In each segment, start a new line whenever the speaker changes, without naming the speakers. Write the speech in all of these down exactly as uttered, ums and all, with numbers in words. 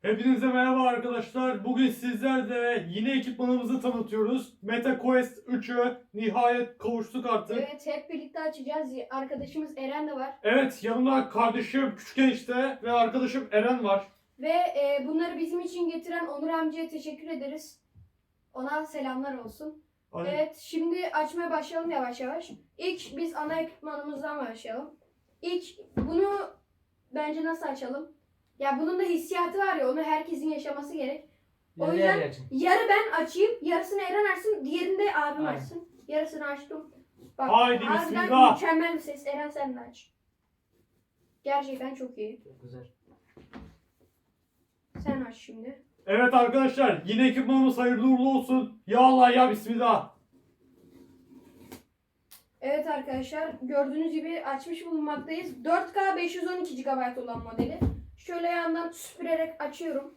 Hepinize merhaba arkadaşlar. Bugün sizlerle yine ekipmanımızı tanıtıyoruz. MetaQuest üçü nihayet kavuştuk artık.
Evet, hep birlikte açacağız. Arkadaşımız Eren de var.
Evet, yanımda kardeşim Küçük Enişte ve arkadaşım Eren var.
Ve e, bunları bizim için getiren Onur amcaya teşekkür ederiz. Ona selamlar olsun.
Hadi.
Evet, şimdi açmaya başlayalım yavaş yavaş. İlk biz ana ekipmanımızdan başlayalım. İlk bunu bence nasıl açalım? Ya bunun da hissiyatı var ya, onu herkesin yaşaması gerek. O
Yarı
yüzden
yarı açın.
yarı ben açayım, yarısını Eren açsın, diğerini de abim
Aynen.
açsın. Yarısını açtım. Bak,
Haydi
harbiden
bismillah.
mükemmel bir ses. Eren sen de aç. Gerçekten çok iyi.
Çok güzel.
Sen aç şimdi.
Evet arkadaşlar, yine ekipmanımız hayırlı uğurlu olsun. Ya Allah ya bismillah.
Evet arkadaşlar, gördüğünüz gibi açmış bulunmaktayız. dört K beş yüz on iki gigabayt olan modeli. Şöyle yandan süpürerek açıyorum.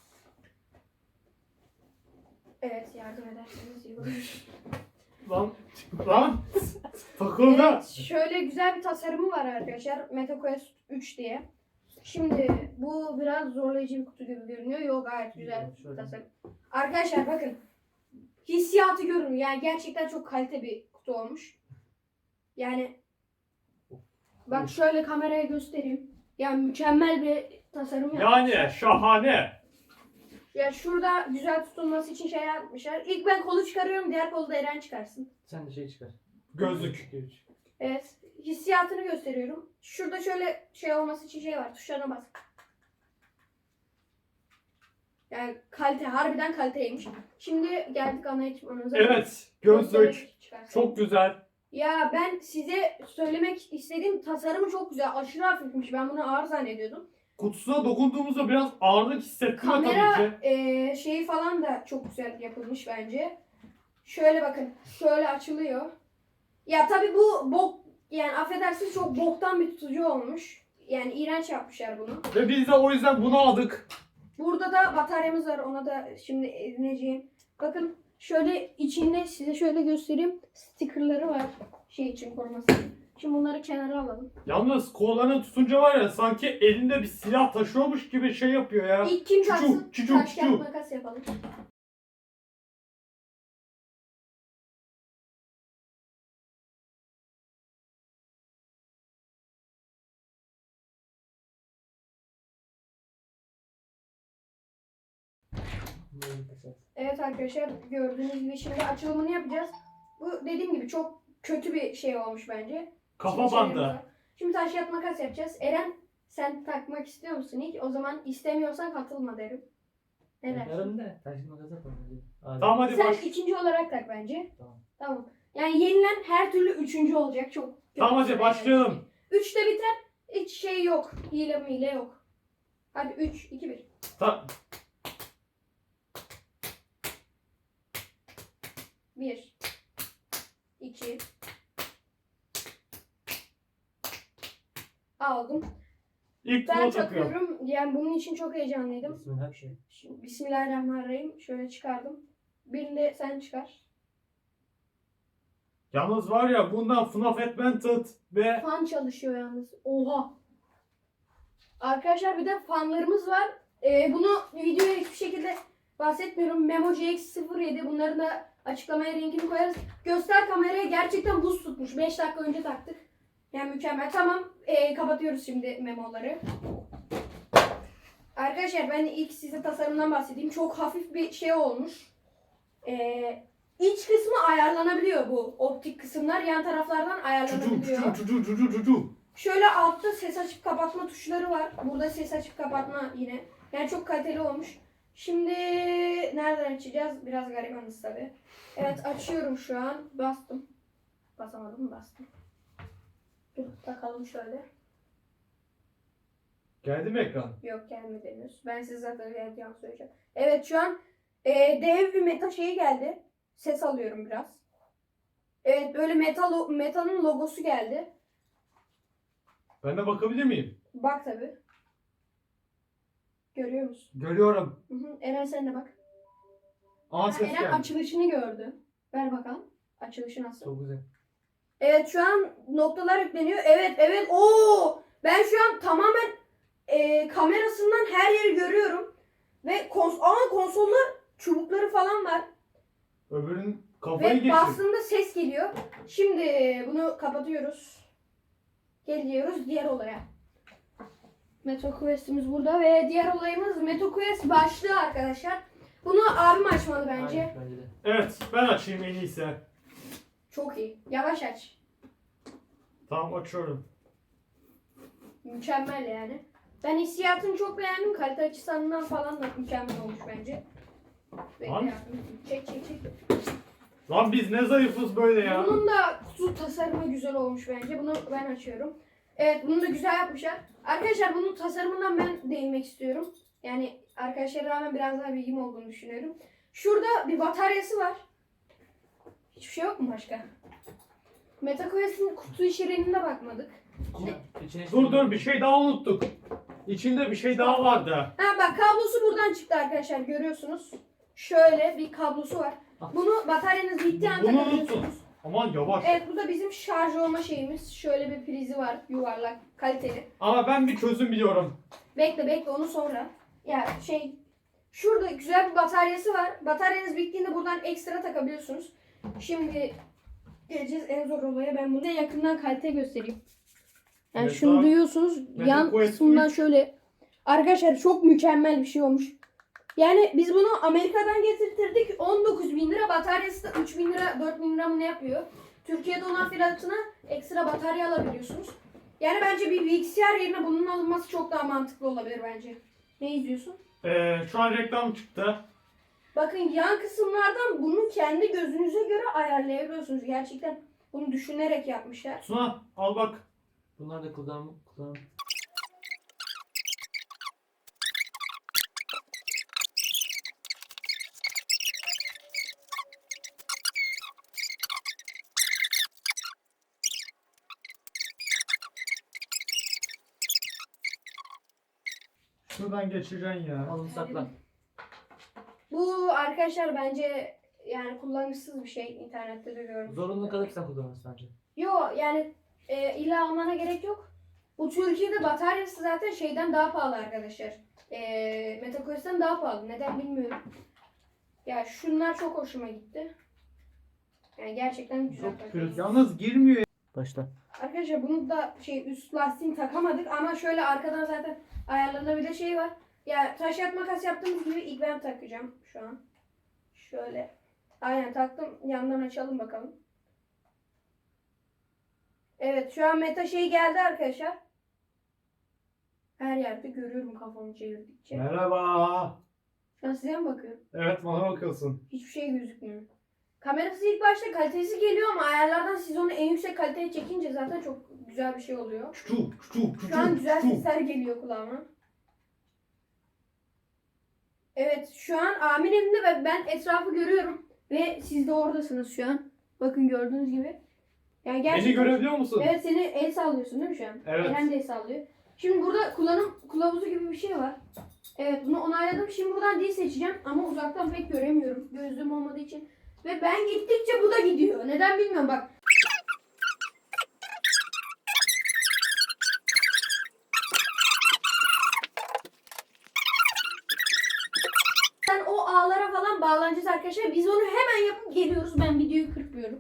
Evet, yardım ederseniz iyi olur.
Lan, lan. Takıldı.
Evet, şöyle güzel bir tasarımı var arkadaşlar. MetaQuest üç diye. Şimdi bu biraz zorlayıcı bir kutu gibi görünüyor. Yok, gayet güzel bir
Şöyle.
tasarım. Arkadaşlar bakın. Hissiyatı görün. Yani gerçekten çok kalite bir kutu olmuş. Yani bak şöyle kameraya göstereyim. Yani mükemmel bir tasarım yapmışlar.
Yani şahane.
Ya şurada güzel tutulması için şey yapmışlar. İlk ben kolu çıkarıyorum, diğer kolu da Eren çıkarsın.
Sen de şey çıkar.
Gözlük.
Evet, hissiyatını gösteriyorum. Şurada şöyle şey olması için şey var, tuşlarına bas. Yani kalite, harbiden kaliteymiş. Şimdi geldik ana ekipmanımıza.
Evet, gözlük.
Göstererek çıkarsın.
Çok güzel.
Ya ben size söylemek istediğim tasarımı çok güzel. Aşırı hafifmiş. Ben bunu ağır zannediyordum.
Kutusuna dokunduğumuzda biraz ağırlık hissettiriyor tabii
Kamera
ki.
e, şeyi falan da çok güzel yapılmış bence. Şöyle bakın. Şöyle açılıyor. Ya tabii bu bok, yani affedersiniz, çok boktan bir tutucu olmuş. Yani iğrenç yapmışlar bunu.
Ve biz de o yüzden bunu aldık.
Burada da bataryamız var. Ona da şimdi edineceğim. Bakın şöyle içinde size şöyle göstereyim. Stickerları var. Şey için koruması. Şimdi bunları kenara alalım.
Yalnız kollarını tutunca var ya sanki elinde bir silah taşıyormuş gibi şey yapıyor ya.
İlk kim
Çuçu,
taksın?
çuçu,
Taş kağıt
çuçu.
makas yapalım. Evet arkadaşlar, gördüğünüz gibi şimdi açılımını yapacağız. Bu dediğim gibi çok kötü bir şey olmuş bence.
Kafa
Şimdi şeylerimiz
bandı.
var. Şimdi taş kağıt makas yapacağız. Eren, sen takmak istiyor musun ilk? O zaman istemiyorsan katılma derim. Ne dersin?
Yarın da taş makas yapalım. Hadi.
Tamam hadi
Sen
baş.
ikinci olarak tak bence.
Tamam.
Tamam. Yani yenilen her türlü üçüncü olacak. Çok kötü
Tamam hadi
bir şey.
başlayalım.
Üçte biter. Hiç şey yok. Hile mile yok. Hadi üç, iki, bir.
Ta
bir, iki. Aldım.
İlk
Ben
tuğla takıyorum.
takıyorum. Yani bunun için çok heyecanlıydım.
Bismillah bir şey.
Şimdi Bismillahirrahmanirrahim. Şöyle çıkardım. Birini de sen çıkar.
Yalnız var ya bundan F N A F Advented ve
Fan çalışıyor yalnız. Oha. Arkadaşlar bir de fanlarımız var. Ee, bunu videoya hiçbir şekilde bahsetmiyorum. Memo C X sıfır yedi. Bunların da açıklamaya linkini koyarız. Göster kameraya, gerçekten buz tutmuş. beş dakika önce taktık. Yani mükemmel. Tamam. Ee, kapatıyoruz şimdi memoları. Arkadaşlar ben ilk size tasarımdan bahsedeyim. Çok hafif bir şey olmuş. Ee, iç kısmı ayarlanabiliyor bu. Optik kısımlar yan taraflardan
cucu
ayarlanabiliyor.
cucu cucu cucu cucu.
Şöyle altta ses açıp kapatma tuşları var. Burada ses açıp kapatma yine. Yani çok kaliteli olmuş. Şimdi nereden açacağız? Biraz garibanız tabi. Evet, açıyorum şu an. Bastım. Basamadım mı? Bastım. Dur takalım şöyle.
Geldi mi ekran?
Yok, gelmedi henüz. Ben size zaten geleceğim söyleyeceğim. Evet, şu an e, dev bir meta şeyi geldi. Ses alıyorum biraz. Evet, böyle metal metanın logosu geldi.
Ben de bakabilir miyim?
Bak tabi. Görüyor musun?
Görüyorum.
Hı hı. Eren sen de bak.
Aa
Ha,
ses
Eren
geldi.
açılışını gördü. Ver bakalım. Açılışı nasıl?
Çok güzel.
Evet, şu an noktalar yükleniyor. Evet, evet. Oo! Ben şu an tamamen e, kamerasından her yeri görüyorum. konsolda çubukları falan var.
Öbürünün kafayı
Ve
geçir.
bastığında ses geliyor. Şimdi bunu kapatıyoruz. Geliyoruz diğer olaya. MetaQuest'imiz burada ve diğer olayımız MetaQuest başlığı arkadaşlar. Bunu abim açmalı bence.
Aynen, bence de.
Evet ben açayım en iyisi.
Çok iyi. Yavaş aç.
Tamam açıyorum.
Mükemmel yani. Ben hissiyatını çok beğendim. Kalite açısından falan da mükemmel olmuş bence. Bekle
Lan.
ya. Çek çek çek.
Lan biz ne zayıfız böyle ya.
Bunun da kutu tasarımı güzel olmuş bence. Bunu ben açıyorum. Evet bunu da güzel yapmışlar. Arkadaşlar bunun tasarımından ben değinmek istiyorum. Yani arkadaşlara rağmen biraz daha bilgim olduğunu düşünüyorum. Şurada bir bataryası var. Hiçbir şey yok mu başka? MetaQuest'in kutu içeriğine bakmadık.
İçine, içine
Dur dur bir şey daha unuttuk. İçinde bir şey daha vardı.
Ha bak kablosu buradan çıktı arkadaşlar görüyorsunuz. Şöyle bir kablosu var. Bunu bataryanız bittiği anda
Bunu
takabiliyorsunuz.
unutun. Aman yavaş.
Evet bu da bizim şarj olma şeyimiz. Şöyle bir prizi var yuvarlak kaliteli.
Ama ben bir çözüm biliyorum.
Bekle bekle onu sonra. Ya şey şurada güzel bir bataryası var. Bataryanız bittiğinde buradan ekstra takabiliyorsunuz. Şimdi geleceğiz en zor olaya. Ben bunu yakından kalite göstereyim. Yani
Evet,
şunu
abi.
duyuyorsunuz.
Meta
Yan
Quest
kısmından
üç.
şöyle. Arkadaşlar çok mükemmel bir şey olmuş. Yani biz bunu Amerika'dan getirtirdik. on dokuz bin lira bataryası da üç bin lira dört bin lira mı ne yapıyor? Türkiye'de olan fiyatına ekstra batarya alabiliyorsunuz. Yani bence bir bilgisayar yerine bunun alınması çok daha mantıklı olabilir bence. Ne izliyorsun?
Ee, şu an reklam çıktı.
Bakın yan kısımlardan bunu kendi gözünüze göre ayarlayabiliyorsunuz. Gerçekten bunu düşünerek yapmışlar.
Suna al bak.
Bunlar da kullan kullan.
Şuradan geçeceksin ya.
Alın sakla.
Bu arkadaşlar bence yani kullanışsız bir şey. İnternette de gördüm.
Zorunlu kalırsa kullanırsın bence.
Yo yani e, illa almana gerek yok. Bu Türkiye'de bataryası zaten şeyden daha pahalı arkadaşlar. E, MetaQuest'ten daha pahalı. Neden bilmiyorum. Ya şunlar çok hoşuma gitti. Yani gerçekten güzel.
Çok
takıyor.
pürüz. Yalnız girmiyor.
Başla.
Arkadaşlar bunu da şey üst lastiğini takamadık ama şöyle arkadan zaten ayarlanabilir şey var. Ya taş yat makas yaptığımız gibi ilk ben takacağım şu an. Şöyle. Aynen taktım. Yandan açalım bakalım. Evet şu an meta şey geldi arkadaşlar. Her yerde görüyorum kafamı çevirdikçe.
Merhaba.
Şu an size mi bakıyorum?
Evet bana bakıyorsun.
Hiçbir şey gözükmüyor. Kamerası ilk başta kalitesi geliyor ama ayarlardan siz onu en yüksek kaliteye çekince zaten çok güzel bir şey oluyor.
Çu çu çu
Şu an güzel
çu.
sesler geliyor kulağıma. Evet şu an Amin elinde ve ben etrafı görüyorum. Ve siz de oradasınız şu an. Bakın gördüğünüz gibi. Yani gerçekten...
Beni görebiliyor musun?
Evet seni el sallıyorsun değil mi şu an?
Evet.
Eren de el sallıyor. Şimdi burada kullanım kılavuzu gibi bir şey var. Evet bunu onayladım. Şimdi buradan dil seçeceğim ama uzaktan pek göremiyorum. Gözlüğüm olmadığı için. Ve ben gittikçe bu da gidiyor. Neden bilmiyorum bak. Sen o ağlara falan bağlanacağız arkadaşlar. Biz onu hemen yapıp geliyoruz. Ben videoyu kırpıyorum.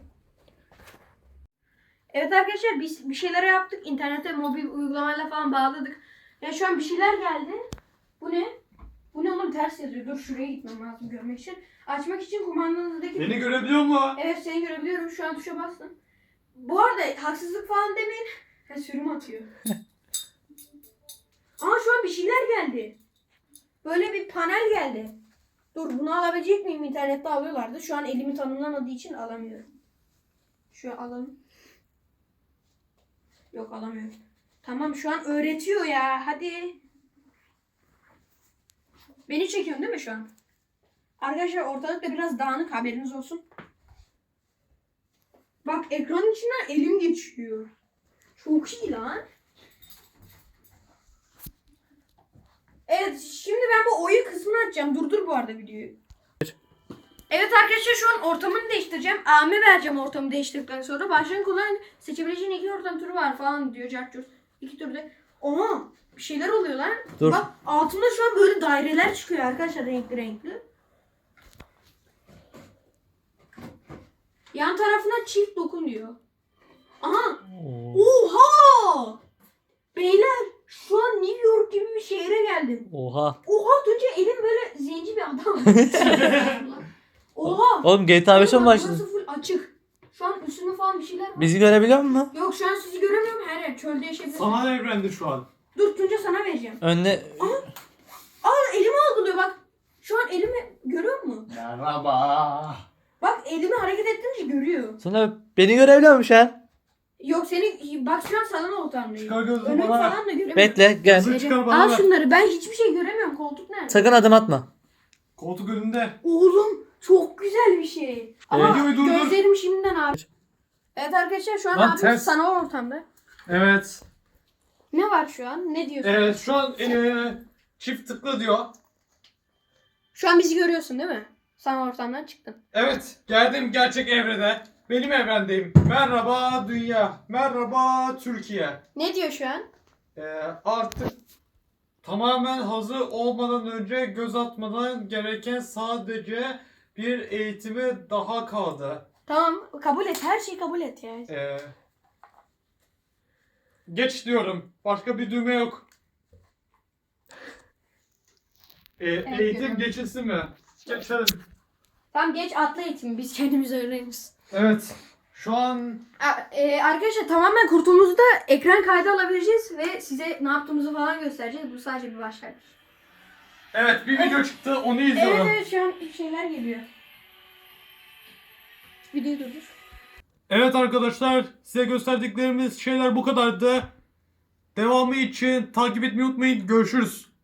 Evet arkadaşlar biz bir şeyler yaptık. İnternete mobil uygulamayla falan bağladık. Ya şu an bir şeyler geldi. Bu ne? Bu ne oğlum ters yazıyor. Dur şuraya gitmem lazım görmek için. Açmak için kumandanızdaki...
Beni görebiliyor mu?
Evet seni görebiliyorum. Şu an tuşa bastım. Bu arada haksızlık falan demeyin. Ha, sürüm atıyor. Aa şu an bir şeyler geldi. Böyle bir panel geldi. Dur bunu alabilecek miyim? İnternette alıyorlardı. Şu an elimi tanımlamadığı için alamıyorum. Şu an alalım. Yok alamıyorum. Tamam şu an öğretiyor ya. Hadi. Beni çekiyorsun değil mi şu an? Arkadaşlar ortalıkta biraz dağınık haberiniz olsun. Bak ekranın içinden elim geçiyor. Çok iyi lan. Evet şimdi ben bu oyun kısmını açacağım. Durdur bu arada videoyu. Evet arkadaşlar şu an ortamını değiştireceğim. A'me vereceğim ortamı değiştirdikten sonra. Başlayın kullan seçebileceğin iki ortam türü var falan diyor. Cartçur. İki türde. Oha bir şeyler oluyor lan.
Dur.
Bak altında şu an böyle daireler çıkıyor arkadaşlar renkli renkli. Yan tarafına çift dokun diyor. Aha.
Oo.
Oha! Beyler şu an New York gibi bir şehre geldim.
Oha.
Oha Tuğçe elim böyle zenci bir adam. Oha.
Oğlum G T A beşe mi
Bak,
başladın?
burası full açık. Şu an üstünde falan bir şeyler var.
Bizi görebiliyor musun?
Yok şu an sizi göremiyorum her yer. Çölde yaşayabilirim.
Sanal evrende şu an.
Dur Tunca sana vereceğim.
Önüne...
Aa elimi algılıyor bak. Şu an elimi görüyor musun?
Merhaba.
Bak elimi hareket ettirince görüyor.
Sana beni görebiliyor musun şu an?
Yok seni bak şu an salon ortamdayım.
Çıkar gözünü
Önümü
bana.
falan da göremiyorum.
Bekle gel.
Kızı çıkar bana
Al
ver.
şunları ben hiçbir şey göremiyorum. Koltuk nerede?
Sakın adım atma.
Koltuk önünde.
Oğlum çok güzel bir şey. Ama
Videoyu durdur.
gözlerim şimdiden abi. Evet arkadaşlar şu an
Lan
abimiz
ters.
sanal ortamda.
Evet.
Ne var şu an? Ne diyorsun?
Evet şu an eee, çift tıkla diyor.
Şu an bizi görüyorsun değil mi? Sanal ortamdan çıktın.
Evet geldim gerçek evrene. Benim evrendeyim. Merhaba dünya. Merhaba Türkiye.
Ne diyor şu an?
Ee, artık tamamen hazır olmadan önce göz atmadan gereken sadece bir eğitimi daha kaldı.
Tamam kabul et. Her şeyi kabul et ya.
Ee, geç diyorum. Başka bir düğme yok. Ee, eğitim
görüyorum.
geçilsin mi? Geçelim.
Tamam geç atla eğitimi. Biz kendimiz öğreniriz.
Evet. Şu an
A- e, arkadaşlar tamamen kurtulduğumuzda ekran kaydı alabileceğiz ve size ne yaptığımızı falan göstereceğiz. Bu sadece bir başlangıç.
evet bir video çıktı onu
Evet
izliyorum.
evet şu an şeyler geliyor. Videoyu durdur.
Evet arkadaşlar size gösterdiklerimiz şeyler bu kadardı. Devamı için takip etmeyi unutmayın. Görüşürüz.